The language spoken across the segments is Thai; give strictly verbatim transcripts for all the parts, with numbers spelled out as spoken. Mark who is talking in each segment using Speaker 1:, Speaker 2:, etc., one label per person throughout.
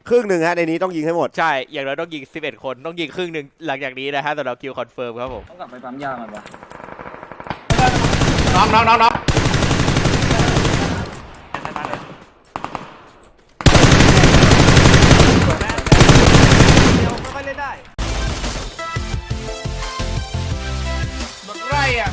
Speaker 1: ครึ่งหนึ่งฮะในนี้ต้องยิงให้หมด
Speaker 2: ใช่อย่างน้อยต้องยิงสิบเอ็ดคนต้องยิงครึ่งหนึ่งหลังจากนี้นะฮะสำหรับคิวคอนเฟิร์มครับผม
Speaker 3: ต้องกลับไปปั๊มยามันปะ
Speaker 4: น้องน้องน้องน้อง
Speaker 5: เดี๋ยวไม่ค่อยเล่นได้
Speaker 4: รถไร่อ่ะ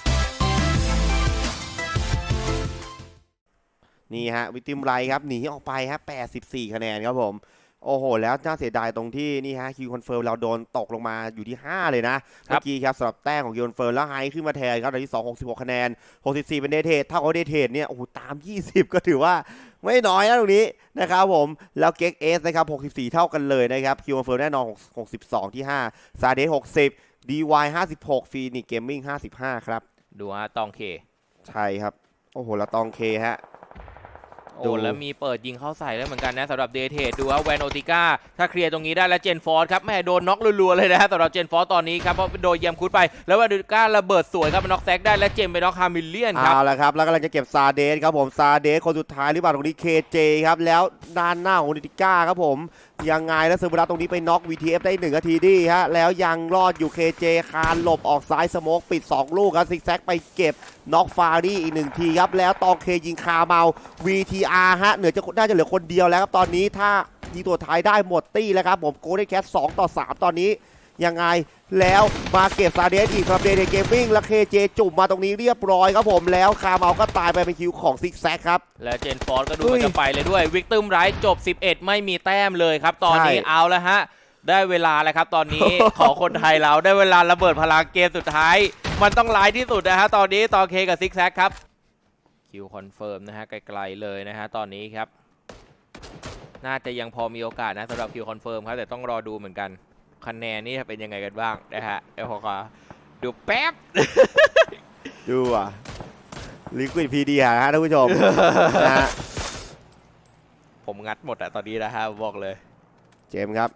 Speaker 1: นี่ฮะวิติมไรครับหนีออกไปฮะแปดสิบสี่คะแนนครับผมโอ้โหแล้วน่าเสียดายตรงที่นี่ฮะคิวคอนเฟิร์มเราโดนตกลงมาอยู่ที่ห้าเลยนะเมื่อกี้ครับสำหรับแต้มของคิวคอนเฟิร์มแล้วไฮขึ้นมาแทนครับตอนที่สอง หกสิบหกคะแนนหกสิบสี่เป็นเดทเทดเท่ากับเดทเทดเนี่ยโอ้โหตามยี่สิบก็ถือว่าไม่น้อยนะตรงนี้นะครับผมแล้วเก็กเอสนะครับหกสิบสี่เท่ากันเลยนะครับคิวคอนเฟิร์มแน่นอนหกสิบสองที่ห้าซาเดสหกสิบ ดี วาย ห้าสิบหกฟีนิกเกมมิ่งห้าสิบห้าครับ
Speaker 2: ดูฮะตองเค
Speaker 1: ใช่ครับโอ้โหแล้วตองเคฮะ
Speaker 2: โอ้แล้วมีเปิดยิงเข้าใส่แล้วเหมือนกันนะสำหรับเดเทดดูว่าแวนโอติก้าถ้าเคลียร์ตรงนี้ได้แล้วเจนฟอร์ดครับแม่โดนน็อกรัวๆเลยนะฮะสำหรับเจนฟอร์ดตอนนี้ครับเพราะโดนเยียมคุดไปแล้วแวนโอติก้าระเบิดสวยครับน็อกแซกได้และเจมไปน็อกฮามิลเลียนครับ
Speaker 1: เอาละครับแล้วกำลังจะเก็บซาเดสครับผมซาเดสคนสุดท้ายหรือเปล่าตรงนี้เคเจครับแล้วด้านหน้าของโอติก้าครับผมยังไงแล้วเซอร์บูรัสตรงนี้ไปน็อก วี ที เอฟ ได้หนึ่งนาทีดีฮะแล้วยังรอดอยู่ เค เจ คานหลบออกซ้ายสโมกปิดสองลูกครับซิกแซกไปเก็บน็อกฟารี่อีกหนึ่งทีครับแล้วตองเคยิงคาเมา วี ที อาร์ ฮะเหนือจะน่าจะเหลือคนเดียวแล้วครับตอนนี้ถ้ายิงตัวท้ายได้หมดตี้แล้วครับผมโกลเด้นแคทสองต่อสามตอนนี้ยังไงแล้วมาเก็บซาเดสอีกครับเดย์เกมมิ่งและเคเจจุ่มมาตรงนี้เรียบร้อยครับผมแล้วคาเมาก็ตายไปเป็นคิวของซิกแซกครับ
Speaker 2: และเจนฟอร์ดก็ดูมันจะไปเลยด้วยวิกตึมไรท์จบสิบเอ็ดไม่มีแต้มเลยครับตอนนี้เอาแล้วฮะได้เวลาแล้วครับตอนนี้ ของคนไทยเราได้เวลาระเบิดพลังเกมสุดท้ายมันต้องร้ายที่สุดนะฮะตอนนี้ตอเคกับซิกแซกครับคิวคอนเฟิร์มนะฮะไกลๆเลยนะฮะตอนนี้ครับน่าจะยังพอมีโอกาสนะสำหรับคิวคอนเฟิร์มครับแต่ต้องรอดูเหมือนกันคะแนนนี่เป็นยังไงกันบ้างนะฮะเดี๋ยวขอดูแป๊บ
Speaker 1: ดูอ่ะลิควิดพีดีฮะท่านผู้ชมนะ
Speaker 2: ผมงัดหมดอะตอนนี้นะฮะบอกเลย
Speaker 1: เจมส์ครับ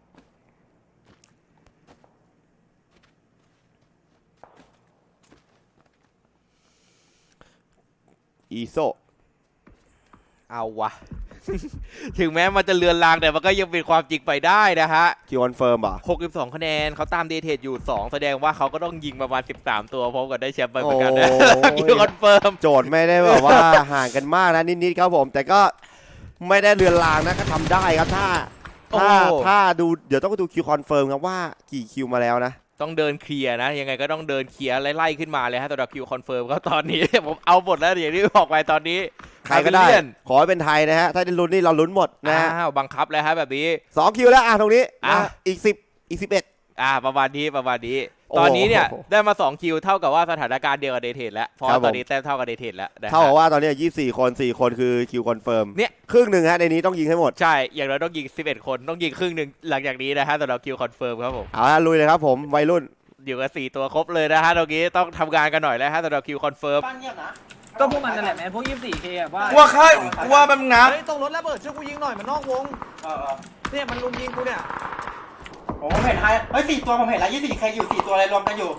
Speaker 1: อีโซ
Speaker 2: เอาวะ ถึงแม้มันจะเลือนลางแต่มันก็ยังเป็นความจริงไปได้นะฮะ
Speaker 1: คิวคอนเฟิร์มป่ะ
Speaker 2: หกสิบสองคะแนนเขาตามเดทเทดอยู่สองแสดงว่าเขาก็ต้องยิงประมาณสิบสามตัวพร้อมกับได้แชมป์ไปเหมือนกันนะคิวคอนเฟิร์ม
Speaker 1: โจทย์ไม่ได้แบบว่าห่างกันมากนะนิดๆครับผมแต่ก็ไม่ได้เลือนลางนะก็ทำได้ครับถ้าถ้าถ้าดูเดี๋ยวต้องดูคิวคอนเฟิร์มครับว่ากี่คิวมาแล้วนะ
Speaker 2: ต้องเดินเคลียร์นะยังไงก็ต้องเดินเคลียร์ไล่ๆขึ้นมาเลยฮะสำหรับคิวคอนเฟิร์มก็ตอนนี้ ผมเอาหมดแล้วอย่างที่บอกไปตอนนี้
Speaker 1: ใครก็ได้ขอให้เป็นไทยนะฮะถ้าได้ลุ้นนี่เราลุ้นหมดนะฮะ
Speaker 2: บังคับเลยฮะแบบนี้
Speaker 1: สองคิวแล้วอ่ะตรงนี้อ่ะอีกสิบอีกสิบเอ็ด
Speaker 2: อ่าประมาณนี้ประมาณนี้ตอนนี้เนี่ยได้มาสองคิวเท่ากับว่าสถานการณ์เดียวกับเดทเทดแล้วเพราะตอนนี้แต้มเท่ากับเดทเทดแล้ว
Speaker 1: เท่ากับว่าตอนนี้ยี่สิบสี่คนสี่คนคือคิวคอนเฟิร์ม
Speaker 2: เนี่ย
Speaker 1: ครึ่งหนึ่งฮะในนี้ต้องยิงให้หมด
Speaker 2: ใช่อย่างน้อยต้องยิงสิบเอ็ดคนต้องยิงครึ่งหนึ่งหลังจากนี้นะฮะสำหรับคิวคอนเฟิร์มครับผม
Speaker 1: เอาละลุยเลยครับผมวัยรุ่น
Speaker 2: อยู่กับสี่ตัวครบเลยนะฮะตรงนี้ต้องทำงานกันหน่อยแล้วฮะสำหรับคิวคอนเฟิร์ม
Speaker 3: ก็พวกมันนั่นแหละแมนพวก ยี่สิบสี่เค อะว่า
Speaker 4: ว่าค่ายว่ามันงับ
Speaker 5: เฮ้ยตรงรถระเบิดช่วยกูยิงหน่อยมันนอกวงเออเนี่ยมันลุมยิงกูเนี่ย
Speaker 6: ผมเห็นไฮเฮ้ยสี่ตัวผมเห็นแล้วยี่สิบสี่เคอยู่สี่ตัวอะไรรวมกันอยู่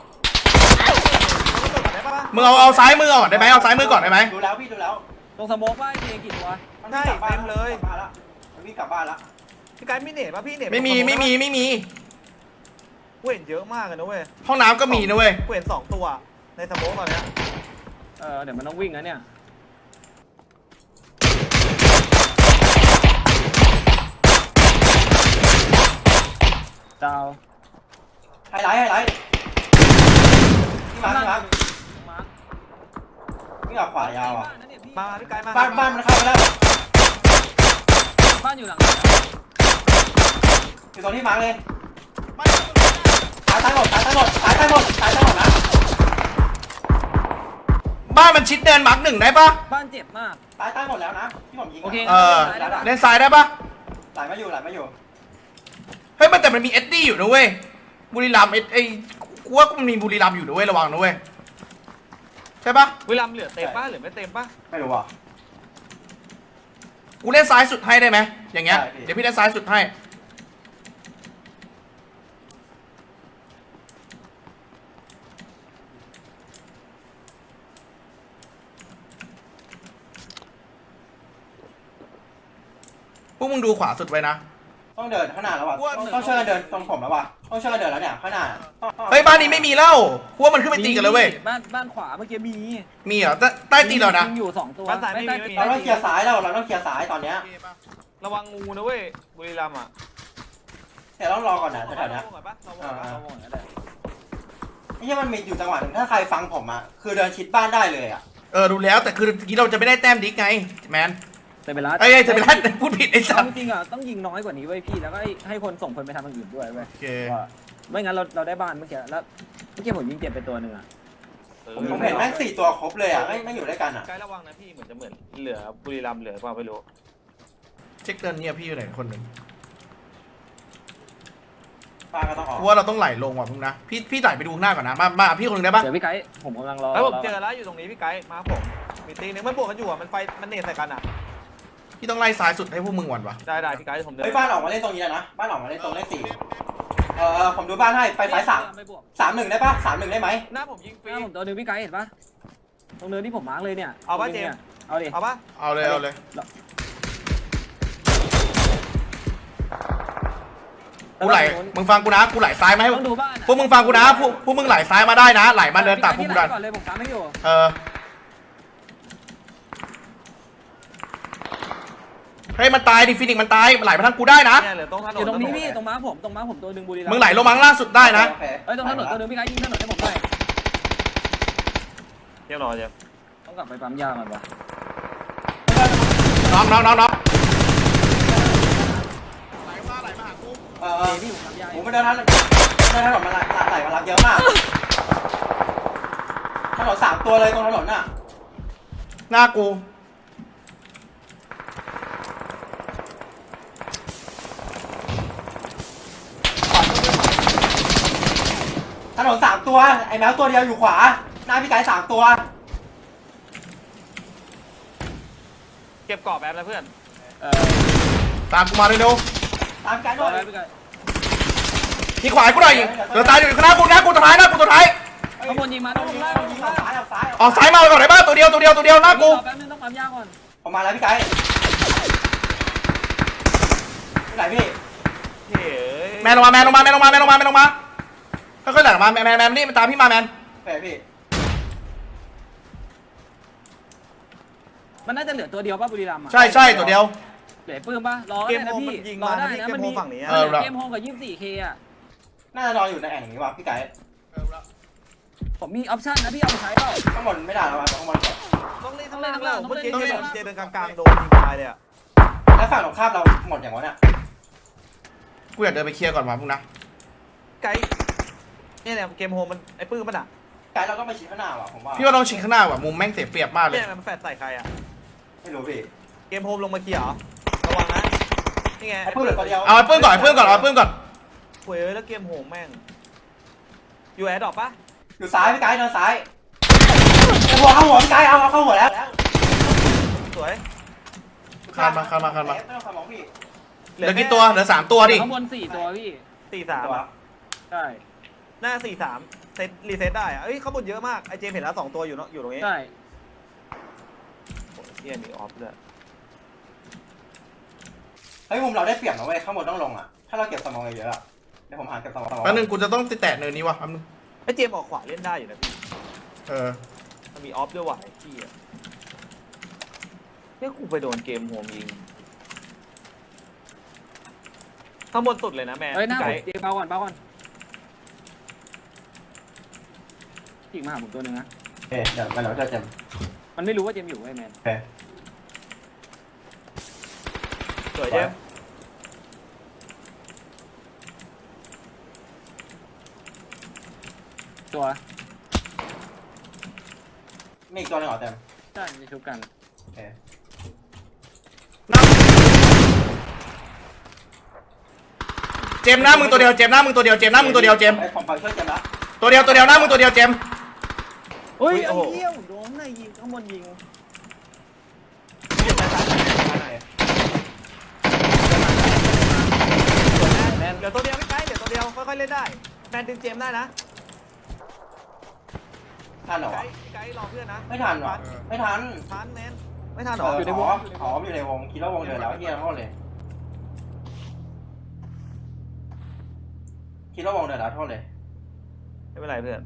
Speaker 4: มึงเอาเอาซ้ายมือก่อนได้ไหมเอาซ้ายมือก่อนได้ไหม
Speaker 6: ดูแล้วพี่ดูแล้ว
Speaker 3: ตรงสโมกว่าเคกี่ตัว
Speaker 5: ใช่เต็มเลย
Speaker 6: มันวิ่งกลับบ้านละ
Speaker 5: พี่กายมีเน็ตป่ะพี่เน็ต
Speaker 4: ไม่มีไม่มีไม่มี
Speaker 5: กูเห็นเยอะมากเลยนะเว้ย
Speaker 4: ห้องน้ำก็มีนะเว้ย
Speaker 5: กูเห็นสองตัวในสโมกตอนเนี้ย
Speaker 3: เออเดี๋ยวมันต้องวิ่งนะเนี่ยดาว
Speaker 6: ไฮไลท์ไฮไลท์พี่มาร์คพี่มาร์คพี่ออกขวายาวอ่ะ
Speaker 5: มาพี่กายมา
Speaker 6: บ้านบ้านมันเข้าไปแล้ว
Speaker 3: บ้านอยู่หลัง
Speaker 6: อยู่ตรงที่มาร์คเลยตายตายหมดตายตายหมดตายตายหมดตายตายหมดนะ
Speaker 4: บ้านมันชิดเดินมาร์กหนึ่งได้ปะ
Speaker 3: บ้านเจ็บมาก
Speaker 6: ตายตายหมดแล้วนะที่ผมยิง
Speaker 3: โอเค
Speaker 4: เออเล่นซ้ายได้ปะ
Speaker 6: ไหลมาอยู่ไหลมาอยู่
Speaker 4: เฮ้ยมันแต่มันมีเอ็ดดี้อยู่นะเว้ยบุรีรัมย์ไอ้กูว่ามันมีบุรีรัมย์อยู่นะเว้ยระวังนะเว้ยใช่ปะ
Speaker 5: บุรีรัมย์เหลือเต็มป่ะหรือไม่เต็มป่ะ
Speaker 6: ไม่รู้อ่ะ
Speaker 4: กูเล่นซ้ายสุดให้ได้ไหมอย่างเงี้ยเดี๋ยวพี่เล่นซ้ายสุดให้พวกมึงดูขวาสุดไว้นะ
Speaker 5: ต้องเดินข้างหน้าแล้วว่ะต้องต้องช่วยกันเดินตรงผมแล้วว่ะต้องช่วยกันเดินแล้วเนี่ยข้างหน้าต้องต้อง
Speaker 4: เฮ้ยบ้านนี้ไม่มีแล้วพวกมันขึ้นไปตีกันเลยเว้ย
Speaker 3: บ้านบ้านขวาเมื่อกี้มี
Speaker 4: มีเหรอใต้ใต้ตีนเรานะ
Speaker 3: ยิงอยู่สองตัว
Speaker 6: บ้านซ้ายไม่มี
Speaker 3: ใต้
Speaker 6: ไม่มี
Speaker 5: เราต้องเคลียร์ซ้ายแล้วเราต้องเคลียร์ซ้ายตอนเนี้ย
Speaker 6: ระวังงูนะเว้ยบุรีรัมย์อ่ะ
Speaker 5: แต่ต้องรอก่อนนะแถวๆเนี้ย
Speaker 6: ระวังก่อนปะระวังก่อนปะ
Speaker 3: เอาวงนั่นแหละ
Speaker 5: ไม่ใช่มันมีอยู่จังหวะหนึ่งถ้าใครฟังผมอ่ะคือเดินชิดบ้านได้เลยอ่ะ
Speaker 4: เออดูแล้วแต่คือเมื่อกี้เราจะไม่ได้แต้มดิกไงแมน
Speaker 3: แต่เวลา
Speaker 4: เอ้ยจะไปไล่พูดผิดไอ้สั
Speaker 3: เอา
Speaker 4: ส
Speaker 3: จริงๆอ่ะต้องยิงน้อยกว่านี้ไว้ยพี่แล้วก็ให้ให้คนส่งคนไปทำอย่างอื่นด้วยเว้ย
Speaker 4: โอเค
Speaker 3: ว่าไม่งั้นเราเราได้บ้านเมื่อกี้แล้วเมื่อกี้ผมยิงเจ็บไปตัวหนึ่งอ่ะ
Speaker 6: เออ
Speaker 5: ผมเห็นแม่งสี่ตัวครบเลยอ่ะไม่ไม่อยู่ด้วยกันอ่ะ
Speaker 6: ไกด์ระวังนะพี่เหมือนจะเหมือนเหลือบุรีรัมย์เหลือเปล่าไม่รู้
Speaker 4: เช็คเดินเนี่ยพี่อยู่ไหนคนหนึ่ง
Speaker 5: ป้าก็ต้องออก
Speaker 4: กูว่าเราต้องไหลลงว่ะมึงนะพี่พี่ไหลไปดูข้างหน้าก่อนนะมามาพี่คนหนึงได้ปะ
Speaker 3: เดี๋ยวพี่ไกด์ผมกำลังรอ
Speaker 6: เฮ้ยผมเจอแล้วอยู่ตรงนี้พี่ไกด์มาผมมีตีนึงมันบวกกันอยู่อ่ะมันไฟมันเนตใส่กันอ่ะ
Speaker 4: พี่ต้องไล่ซ้ายสุดให้พวกมึงหวันวะ
Speaker 6: ได้ได้พี่ไกด์ผมเดิน
Speaker 5: เฮ้ยบ้านออกมาเล่นตรงนี้แล้วนะบ้านออกมาเล่นตรงเลขสี่เออเออผมดูบ้านให้ไปไฟสาม
Speaker 3: ไม่บวก
Speaker 5: สามหนึ่งได้ปะสามหนึ่งได้ไหม
Speaker 6: หน้าผมยิงฟ
Speaker 3: ห
Speaker 6: รี
Speaker 3: น้าผมตัวหนึงพี่ไกด์เห็นปะตรงเนินที่ผมมาร์กเลยเนี่ย
Speaker 6: เอาปะ
Speaker 3: ตรงนี้
Speaker 6: เจมส์
Speaker 3: นี่ยเอาดิ
Speaker 6: เอาปะ
Speaker 4: เอาเลยเอาเลยกูไหลมึงฟังกูนะกูไหลซ้ายมาให้
Speaker 3: ต้องดูบ้านอะ
Speaker 4: พวกมึงฟังกูนะพวกพวกมึงไหลซ้ายมาได้นะ ไหลมาเดินตัดพวกกู
Speaker 3: พี่
Speaker 4: ดั
Speaker 3: ไก
Speaker 4: น
Speaker 3: ด์ก่อนเลยผมตามให้อยู่
Speaker 4: เออเฮ้ยมันตายดิฟินิกมันตายไหลมาทางกูได้นะ
Speaker 6: เนี่ยเหลือตรงถนน
Speaker 3: อยู่ตรงนี้พี่ตรงม้าผมตรงม้าผมตัวหนึ่งบุรีรัมย์
Speaker 4: มึงไหลลงมาข้างล่างสุดได้นะ
Speaker 5: โอเค
Speaker 3: เอ้ยตรงถนนตัวหนึงพี่ไกด์ยิงถนนให้ผมหน่อย
Speaker 6: เรียบร้อยเจมส์
Speaker 3: ต้องกลับไปปั๊มยาก่อนวะ
Speaker 4: น้องน้องน้องน้อง
Speaker 5: เออเอ
Speaker 3: เจ
Speaker 5: อ
Speaker 3: พี่ผมปั๊มยา
Speaker 5: ผมไปเดินทางเดินถนนมาไหลไหลมารับเยอะมากถนนสามตัวเลยตรงถนนน่ะ
Speaker 4: หน้ากู
Speaker 5: ถนนสามตัวไอ้แมวตัวเดียวอยู่ขวาหน้าพี่ไก่สามตัว
Speaker 6: เก็บกรอบแป๊บนะเพื่อน
Speaker 3: เออ
Speaker 4: ตามกูมาเร็ว
Speaker 5: ตามไก่
Speaker 3: ร
Speaker 5: ด้
Speaker 3: อ
Speaker 5: วย
Speaker 3: แล้วพี่ไกด์
Speaker 4: ๆที่ขวาให้กูหน่อยเดี๋ยวตายอยู่ข้างหน้ากูนะกูตัวท้ายนะกูตัวท้าย
Speaker 3: ข้างบนยิงมา
Speaker 5: ต้
Speaker 3: ต้
Speaker 5: อ
Speaker 3: อง ง
Speaker 5: ยิ
Speaker 3: ยิ
Speaker 5: ง
Speaker 3: ง
Speaker 5: ต้
Speaker 3: ล่า
Speaker 5: อง
Speaker 3: ต้อง
Speaker 5: ยิ
Speaker 3: ยิ
Speaker 5: ง
Speaker 3: ง
Speaker 5: ออ
Speaker 3: ล่าก
Speaker 5: ซ้ายออกซ้าย
Speaker 4: ออกซ้ายมาก่อนได้ป่ะตัวเดียวตัวเดียวตัวเดียวหน้ากู
Speaker 3: แป๊บนึงต้องปั๊มยาก่อน
Speaker 5: ผมมาแล้วพี่ไก่ที่ไหนพี่
Speaker 6: เฮ้ย
Speaker 4: แมนลงมาแมนลงมาแมนลงมาแมนลงมาแมนลงมาค่อยๆไหลลงมาแมนแมนแมนนี่มันตามพี่มาแมน
Speaker 5: แฝพี่
Speaker 3: มันน่าจะเหลือตัวเดียวป่ะบุรีรัมย์อ่ะ
Speaker 4: ใช่ใช่ตัวเดียว
Speaker 3: เหลือปืนป่ะรอ
Speaker 6: เก
Speaker 3: ได้
Speaker 6: ม
Speaker 3: นะ
Speaker 6: โฮม
Speaker 3: พี่
Speaker 6: มันยิง
Speaker 3: รอ
Speaker 6: มา
Speaker 3: ได้
Speaker 6: ที่
Speaker 3: นะ
Speaker 6: เกม
Speaker 3: มัน
Speaker 6: โฮ
Speaker 3: มี
Speaker 6: มฝั่งนี้
Speaker 4: เออ
Speaker 3: เกมโฮมกับ ยี่สิบสี่เค อ่ะ
Speaker 5: น่าจะนอนอยู่ในแอ่งนี้ว่ะพี่ไก่
Speaker 3: ผมมีออปชั่นนะพี่เอาไปใช้เปล่า
Speaker 5: ข้างบนไม่ได้แล้วข้างบนก่อน
Speaker 6: ต้องเล่นต้องเล่นข้างล่างเมื่อกี้
Speaker 3: ต้อง
Speaker 6: เจ
Speaker 3: เล่น
Speaker 6: เจเดินกลางๆโดนยิงตายเลยอ่ะ
Speaker 5: แล้วฝั่งตรงข้ามเราหมดอย่างวะเนี่ย
Speaker 4: กูอยากเดินไปเคลียร์ก่อนมาพวกนะ
Speaker 6: ไกด์เนี่ยเนี่ยเกมโฮมมันไอ้ปื้มมันอ่ะ
Speaker 5: ไก่เราต้องไปชิดข้างหน้าว่ะผมว่า
Speaker 4: พี่ว่าต้องชิงข้างหน้าว่ะมุมแม่งเสียเปรียบมากเลย
Speaker 6: เนี่ยมันแฟดใส่ใครอ่ะ
Speaker 5: ไม่รู้พี่
Speaker 6: เกมโฮมลงมาเคลียร์เหรอระวังนะนี่ไง
Speaker 5: ไอ้ปื้มเหลือตัวเดียว
Speaker 4: เอาไอ้ปื้มก่อนไอ้ปื้มก่อนเอาไอ้ปื้มก่อน
Speaker 6: หวยเอ้ยแล้วเกมโฮมแม่งอยู่แอร์ดรอปปะ
Speaker 5: อยู่ซ้ายพี่ไก่เดินซ้ายไอ้หัวเข้าหัวพี่ไก่เอาเอาเข้าหัวแล้ว
Speaker 6: สวย
Speaker 4: คานมาคานมาคานมา
Speaker 5: ไม่ต้องสมองพี่
Speaker 4: เหลือกี่ตัวเหลือสามตัวดิ
Speaker 3: ข้างบนสี่ตัวพี่
Speaker 6: สี่สาม
Speaker 5: ตัว
Speaker 3: ใช่
Speaker 6: หน้าสี่สามเซตรีเซ็ตได้อะเอ้ยเขาบนเยอะมากไอเจมเห็นแล้วสองตัวอยู่เนาะอยู่ตรงนี้
Speaker 3: ใช่
Speaker 6: โอ้ยเฮียมีออฟด้วย
Speaker 5: เฮ้ยมุมเราได้เปรียบนะเว้ยข้างบนต้องลงอ่ะถ้าเราเก็บสมองเยอะๆอะเดี๋ยวผมหาเก็บสมอง
Speaker 4: แป๊บนึงกูจะต้องแตะเนินนี้ว่ะแป๊บนึง
Speaker 6: ไอเจมออกขวาเล่นได้อยู่นะพี่
Speaker 4: เออ
Speaker 6: มันมีออฟด้วยว่ะไอ้พี่อะเนี่ยกูไปโดนเกมโฮมยิงข้างบนสุดเลยนะแม่
Speaker 3: เฮ้ยหน้า
Speaker 6: ไก
Speaker 3: ผม
Speaker 6: ด์
Speaker 3: เดี๋ยวเบาก่อนเบาก่อนจิกมาหาผมตัวหนึ่งนะ
Speaker 5: เอ๊ะเดี๋ยวไปเราจะเจม
Speaker 3: มันไม่รู้ว่าเจมอยู่ไอ้แมน
Speaker 5: โอเค
Speaker 6: สวยเจม
Speaker 3: ตัว
Speaker 5: มีอีกตัวหนึงเหรอเต็ม
Speaker 3: ใช่ในชุบกัน
Speaker 5: โอเค
Speaker 4: เจมส์หน้ามึงตัวเดียวเจมส์หน้ามึงตัวเดียวเจมส์หน้ามึงตัวเดียวเจมส์
Speaker 5: ไอ้ผมไปช่วยเจมส์ละ
Speaker 4: ตัวเดียวตัวเดียวหน้ามึงตัวเดียวเจมส์
Speaker 3: เฮ้ยไอ้เหี้ยโดนไหนยิงข้างบนยิง
Speaker 6: แมนเหลือตัวเดียวพี่ไกด์เหลือตัวเดียวค่อยๆเล่นได้แมนดึงเจมได้นะ
Speaker 5: ทันเหรอ
Speaker 6: ไก
Speaker 5: วะ
Speaker 6: ด์ไกด์รอเพื่อนนะ
Speaker 5: ไม่ทันหรอไม่ทัน
Speaker 6: ทันแมนไม่ทันหร
Speaker 5: เอ
Speaker 6: อ
Speaker 5: ออยู่ในวงอ๋ออยู่ในวงคิดว่าวงเดินแล้วเฮียทั้งหมดเลยคิดว่าวงเดินแล้วโทษเลย
Speaker 6: ไม่เป็นไรเพื่อน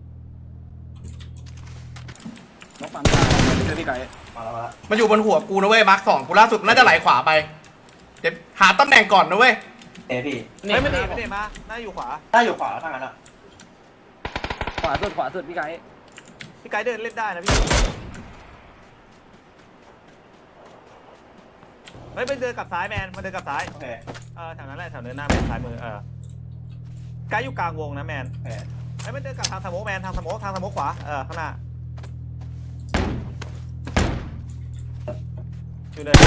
Speaker 3: น้องปั๊มตายเจอพี่ไก่
Speaker 5: มาแล้วมาแล้ว
Speaker 4: มันอยู่บนหัวกูนะเว้ยมาร์คสองกูล่าสุดน่าจะไหลขวาไปเดี๋ยวหาตำแหน่งก่อนนะเว้ย
Speaker 5: เอยพี่
Speaker 6: เฮ้ยไม่ได้ไม่ได้มาน่าอยู่ขวา
Speaker 5: ถ้าอยู่ขวาแล้วทางนั้นอ่ะ
Speaker 3: ขวาสุดขวาสุดพี่ไก่
Speaker 6: พี่ไกด์เดินเล่นได้นะพี่เฮ้ยไปเดินกลับซ้ายแมนมาเดินกลับซ้าย
Speaker 5: โอเค
Speaker 6: เออแถวนั้นแหละแถวเดินหน้าแมนซ้ายมือเออไกด์อยู่กลางวงนะแมน
Speaker 5: โอเค
Speaker 6: เฮ้ยไม่เดินกลับทางสโมกแมนทางสโมกทางสโมกขวาเออข้างหน้าอยู่เดิน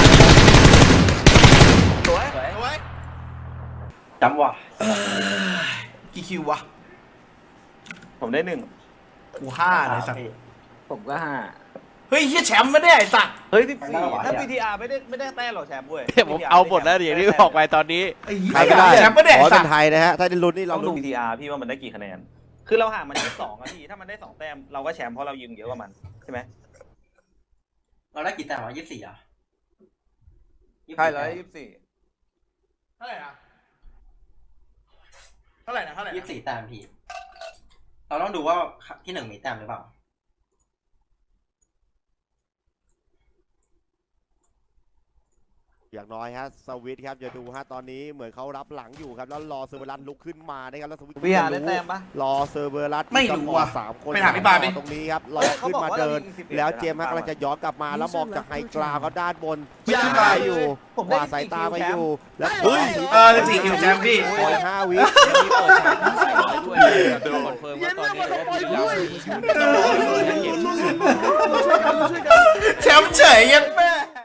Speaker 6: สวย
Speaker 4: เอาไว้
Speaker 5: จำว่ะ
Speaker 4: กี่คิววะ
Speaker 6: ผมได้หนึ่ง
Speaker 4: กูห้าเลยสัตว์
Speaker 5: พี่
Speaker 3: ผมก็ห้า
Speaker 4: เฮ้ยเฮียแชมป์ไม่ได้ไอ้สัตว์
Speaker 6: เฮ้ยสิบสี่
Speaker 5: ไม่ได้หรอ
Speaker 6: ถ้า วี ที อาร์ ไม่ได้ไม่ได้แต้มหรอกแชมป์เว้ย
Speaker 2: ผมเอาหมดแล้วอย่างที่บอกไปตอนนี้
Speaker 4: ไอ้เหี้
Speaker 1: ใครก็ได้
Speaker 4: ยแชมป์ไม่ได้
Speaker 1: ขอ
Speaker 4: ไอ้
Speaker 1: ให้
Speaker 4: สั
Speaker 1: เป็
Speaker 4: ต
Speaker 1: น
Speaker 4: ว์
Speaker 1: ไทยนะฮะถ้าได้ลุ้นนี่เรา
Speaker 6: ต้องดู
Speaker 1: ลุ้น
Speaker 6: วี ที อาร์ พี่ว่ามันได้กี่คะแนน คือเราห่างมันยี่สิบสองอะพี่ ถ้ามันได้สองแต้มเราก็แชมป์เพราะเรายิงเยอะกว่ามันใช่ไหม
Speaker 5: เราได้กี่แต้มวะยี่สิบสี่อ่ะ
Speaker 6: ใช่แล้วยี่สิบสี่
Speaker 4: เท่าไหร่นะเท่าไหร่นะเท่าไหร่นะ
Speaker 5: ยี่สิบสี่แต้มพี่ เราต้องดูว่าที่หนึ่งมีแต้มหรือเปล่า
Speaker 1: อย่างน้อยฮะสวิตครับอย่าดูฮะตอนนี้เหมือนเขารับหลังอยู่ครับแล้วรอเซอร์เบอรัสลุกขึ้นมานะครับแล้วสวิต
Speaker 6: วีอาร์ได้แต้มปะ
Speaker 1: รอเซอร์เบอรัส
Speaker 4: ไม่รู้ว่ะ
Speaker 1: สามคน
Speaker 4: ไปถามพี่บาสดิ
Speaker 1: ตรงนี้ครับรอขึ้นมาเดิน แล้วเจมส์ฮะกำลังจะย้อนกลับมาแล้วมองจากไฮกราวครับด้านบน
Speaker 4: ไม่ได้
Speaker 1: ซ้ายอยู่
Speaker 6: ผม
Speaker 1: ข
Speaker 6: ได้
Speaker 1: วาสายตาไปอยู่แล้ว
Speaker 4: เฮ้ยเออสิบสี่คิวแชมป์พี่
Speaker 1: ปล่อยห้าวิ
Speaker 2: ยังมีเปิดฉากที่ใส่ไว้ด้วยนะครับคอนเฟิร์มว่าตอนนี้ว่าบุรีรัมย์
Speaker 4: แชมป์เฉยยังแม่